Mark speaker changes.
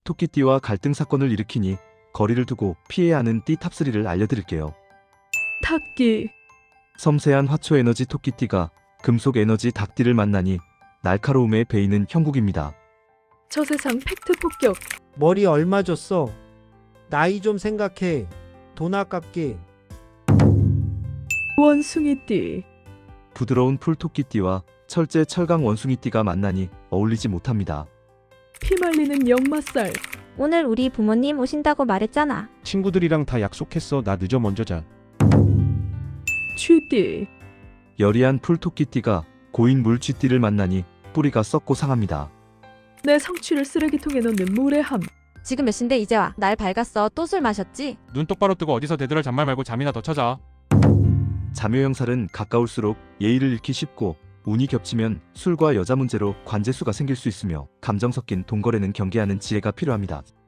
Speaker 1: 토끼띠와 갈등 사건을 일으키니 거리를 두고 피해야 하는 띠 탑3를 알려드릴게요.
Speaker 2: 닭띠,
Speaker 1: 섬세한 화초 에너지 토끼띠가 금속 에너지 닭띠를 만나니 날카로움에 베이는 형국입니다.
Speaker 2: 저세상 팩트 폭격,
Speaker 3: 머리 얼마 줬어? 나이 좀 생각해. 돈 아깝게.
Speaker 2: 원숭이띠,
Speaker 1: 부드러운 풀토끼띠와 철제 철강 원숭이띠가 만나니 어울리지 못합니다.
Speaker 2: 피말리는 역마살,
Speaker 4: 오늘 우리 부모님 오신다고 말했잖아.
Speaker 5: 친구들이랑 다 약속했어. 나 늦어 먼저 자.
Speaker 2: 쥐띠,
Speaker 1: 여리한 풀토끼띠가 고인 물쥐띠를 만나니 뿌리가 썩고 상합니다.
Speaker 2: 내 성취를 쓰레기통에 넣는 무례함,
Speaker 4: 지금 몇 시인데 이제 와. 날 밝았어. 또 술 마셨지?
Speaker 6: 눈 똑바로 뜨고 어디서 대들을 잔말 말고 잠이나 더 찾아.
Speaker 1: 자묘형살은 가까울수록 예의를 잃기 쉽고 운이 겹치면 술과 여자 문제로 관재수가 생길 수 있으며 감정 섞인 돈거래는 경계하는 지혜가 필요합니다.